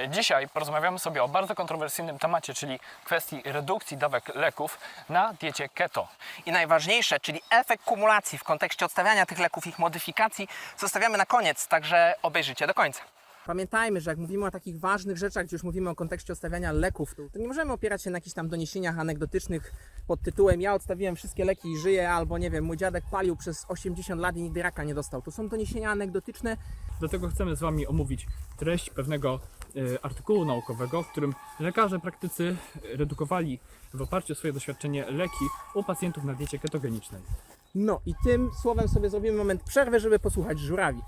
Dzisiaj porozmawiamy sobie o bardzo kontrowersyjnym temacie, czyli kwestii redukcji dawek leków na diecie keto. I najważniejsze, czyli efekt kumulacji w kontekście odstawiania tych leków, ich modyfikacji, zostawiamy na koniec, także obejrzyjcie do końca. Pamiętajmy, że jak mówimy o takich ważnych rzeczach, gdzie już mówimy o kontekście odstawiania leków, to nie możemy opierać się na jakichś tam doniesieniach anegdotycznych pod tytułem ja odstawiłem wszystkie leki i żyję, albo nie wiem, mój dziadek palił przez 80 lat i nigdy raka nie dostał. To są doniesienia anegdotyczne. Dlatego chcemy z Wami omówić treść pewnego artykułu naukowego, w którym lekarze praktycy redukowali w oparciu o swoje doświadczenie leki u pacjentów na diecie ketogenicznej. No i tym słowem sobie zrobimy moment przerwy, żeby posłuchać żurawi.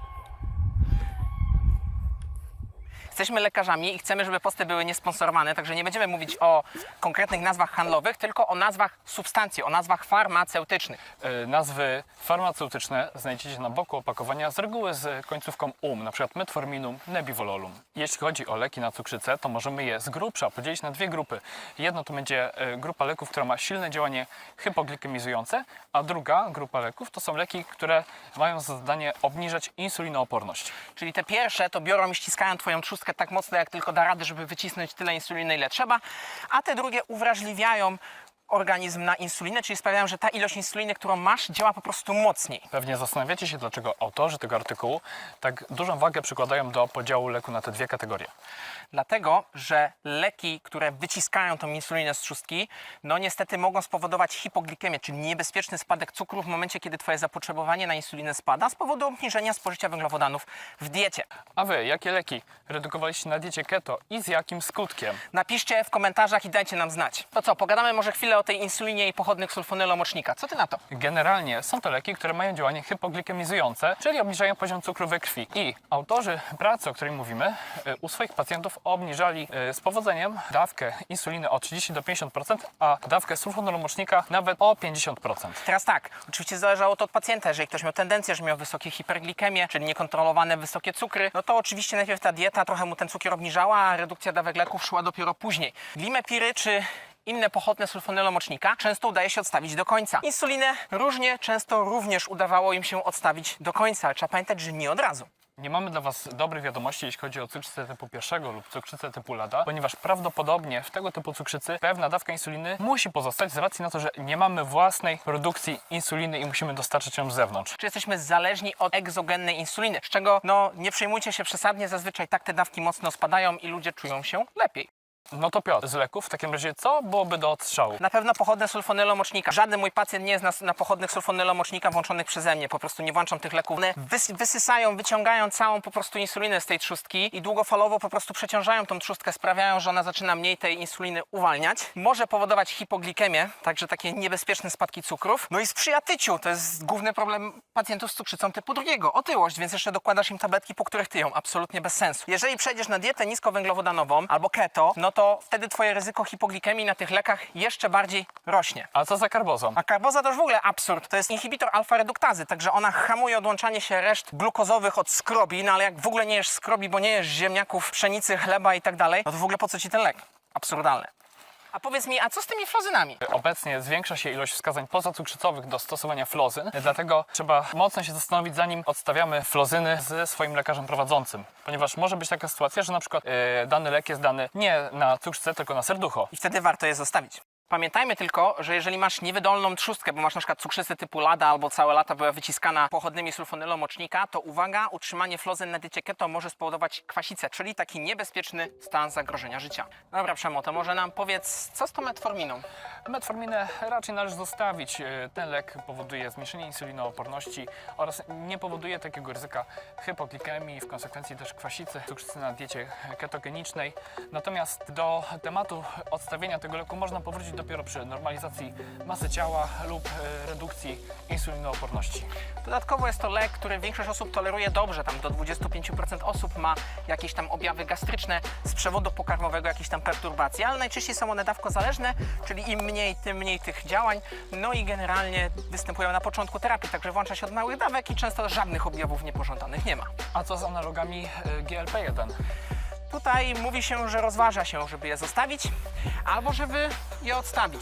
Jesteśmy lekarzami i chcemy, żeby posty były niesponsorowane, także nie będziemy mówić o konkretnych nazwach handlowych, tylko o nazwach substancji, o nazwach farmaceutycznych. Nazwy farmaceutyczne znajdziecie na boku opakowania z reguły z końcówką np. metforminum, nebivololum. Jeśli chodzi o leki na cukrzycę, to możemy je z grubsza podzielić na dwie grupy. Jedno to będzie grupa leków, która ma silne działanie hypoglikemizujące, a druga grupa leków to są leki, które mają za zadanie obniżać insulinooporność. Czyli te pierwsze to biorą i ściskają Twoją trzustkę tak mocno, jak tylko da rady, żeby wycisnąć tyle insuliny, ile trzeba, a te drugie uwrażliwiają organizm na insulinę, czyli sprawiają, że ta ilość insuliny, którą masz, działa po prostu mocniej. Pewnie zastanawiacie się, dlaczego autorzy tego artykułu tak dużą wagę przykładają do podziału leku na te dwie kategorie. Dlatego, że leki, które wyciskają tą insulinę z trzustki, no niestety mogą spowodować hipoglikemię, czyli niebezpieczny spadek cukru w momencie, kiedy Twoje zapotrzebowanie na insulinę spada z powodu obniżenia spożycia węglowodanów w diecie. A Wy, jakie leki redukowaliście na diecie keto i z jakim skutkiem? Napiszcie w komentarzach i dajcie nam znać. To co, pogadamy może chwilę o tej insulinie i pochodnych sulfonylomocznika. Co Ty na to? Generalnie są to leki, które mają działanie hypoglikemizujące, czyli obniżają poziom cukru we krwi. I autorzy pracy, o której mówimy, u swoich pacjentów obniżali z powodzeniem dawkę insuliny o 30 do 50%, a dawkę sulfonylomocznika nawet o 50%. Teraz tak, oczywiście zależało to od pacjenta. Jeżeli ktoś miał tendencję, że miał wysokie hiperglikemie, czyli niekontrolowane wysokie cukry, no to oczywiście najpierw ta dieta trochę mu ten cukier obniżała, a redukcja dawek leków szła dopiero później. Glimepiry czy inne pochodne sulfonylomocznika często udaje się odstawić do końca. Insulinę różnie, często również udawało im się odstawić do końca, ale trzeba pamiętać, że nie od razu. Nie mamy dla Was dobrych wiadomości, jeśli chodzi o cukrzycę typu 1 lub cukrzycę typu lada, ponieważ prawdopodobnie w tego typu cukrzycy pewna dawka insuliny musi pozostać z racji na to, że nie mamy własnej produkcji insuliny i musimy dostarczyć ją z zewnątrz. Czy jesteśmy zależni od egzogennej insuliny, z czego no nie przejmujcie się przesadnie, zazwyczaj tak te dawki mocno spadają i ludzie czują się lepiej. No to Piotr, z leków w takim razie co byłoby do odstrzału? Na pewno pochodne sulfonylomocznika. Żaden mój pacjent nie jest na pochodnych sulfonylomocznika włączonych przeze mnie. Po prostu nie włączam tych leków. One wysysają, wyciągają całą po prostu insulinę z tej trzustki i długofalowo po prostu przeciążają tą trzustkę, sprawiają, że ona zaczyna mniej tej insuliny uwalniać. Może powodować hipoglikemię, także takie niebezpieczne spadki cukrów. No i sprzyja tyciu. To jest główny problem pacjentów z cukrzycą typu 2. Otyłość, więc jeszcze dokładasz im tabletki, po których tyją. Absolutnie bez sensu. Jeżeli przejdziesz na dietę niskowęglowodanową albo keto, no to wtedy Twoje ryzyko hipoglikemii na tych lekach jeszcze bardziej rośnie. A co za karbozą? A karboza to już w ogóle absurd. To jest inhibitor alfa-reduktazy, także ona hamuje odłączanie się reszt glukozowych od skrobi, no ale jak w ogóle nie jesz skrobi, bo nie jesz ziemniaków, pszenicy, chleba i tak dalej, no to w ogóle po co Ci ten lek? Absurdalne. A powiedz mi, a co z tymi flozynami? Obecnie zwiększa się ilość wskazań pozacukrzycowych do stosowania flozyn, dlatego trzeba mocno się zastanowić, zanim odstawiamy flozyny ze swoim lekarzem prowadzącym. Ponieważ może być taka sytuacja, że na przykład dany lek jest dany nie na cukrzycę, tylko na serducho. I wtedy warto je zostawić. Pamiętajmy tylko, że jeżeli masz niewydolną trzustkę, bo masz na przykład cukrzycę typu lada albo całe lata była wyciskana pochodnymi sulfonylomocznika, to uwaga, utrzymanie flozyn na diecie keto może spowodować kwasicę, czyli taki niebezpieczny stan zagrożenia życia. Dobra, Przemo, to może nam powiedz, co z tą metforminą? Metforminę raczej należy zostawić. Ten lek powoduje zmniejszenie insulinooporności oraz nie powoduje takiego ryzyka hypoglikemii, w konsekwencji też kwasicy, cukrzycy na diecie ketogenicznej. Natomiast do tematu odstawienia tego leku można powrócić dopiero przy normalizacji masy ciała lub redukcji insulinooporności. Dodatkowo jest to lek, który większość osób toleruje dobrze, tam do 25% osób ma jakieś tam objawy gastryczne z przewodu pokarmowego, jakieś tam perturbacje, ale najczęściej są one dawkozależne, czyli im mniej, tym mniej tych działań, no i generalnie występują na początku terapii, także włącza się od małych dawek i często żadnych objawów niepożądanych nie ma. A co z analogami GLP-1? Tutaj mówi się, że rozważa się, żeby je zostawić albo żeby je odstawić. Tylko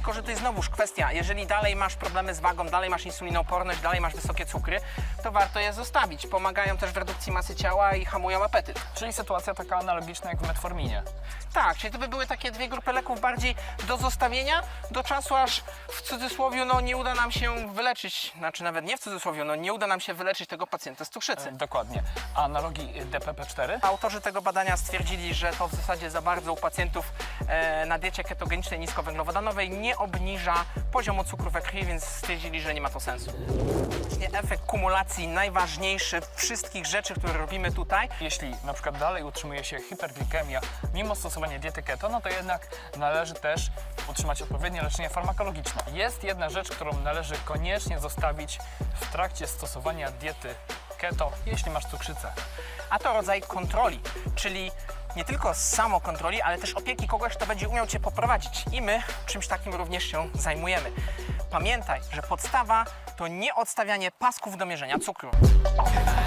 tylko że to jest znowuż kwestia, jeżeli dalej masz problemy z wagą, dalej masz insulinooporność, dalej masz wysokie cukry, to warto je zostawić. Pomagają też w redukcji masy ciała i hamują apetyt. Czyli sytuacja taka analogiczna jak w metforminie. Tak, czyli to by były takie dwie grupy leków bardziej do zostawienia, do czasu aż w cudzysłowie no nie uda nam się wyleczyć, znaczy nawet nie w cudzysłowie, no nie uda nam się wyleczyć tego pacjenta z cukrzycy. Dokładnie. A analogii DPP-4? Autorzy tego badania stwierdzili, że to w zasadzie za bardzo u pacjentów na diecie ketogenicznej niskowęglowodanowej nie obniża poziomu cukru we krwi, więc stwierdzili, że nie ma to sensu. Efekt kumulacji najważniejszy wszystkich rzeczy, które robimy tutaj. Jeśli na przykład dalej utrzymuje się hiperglikemia mimo stosowania diety keto, no to jednak należy też utrzymać odpowiednie leczenie farmakologiczne. Jest jedna rzecz, którą należy koniecznie zostawić w trakcie stosowania diety keto, jeśli masz cukrzycę. A to rodzaj kontroli, czyli nie tylko samokontroli, ale też opieki kogoś, kto będzie umiał Cię poprowadzić. I my czymś takim również się zajmujemy. Pamiętaj, że podstawa to nie odstawianie pasków do mierzenia cukru.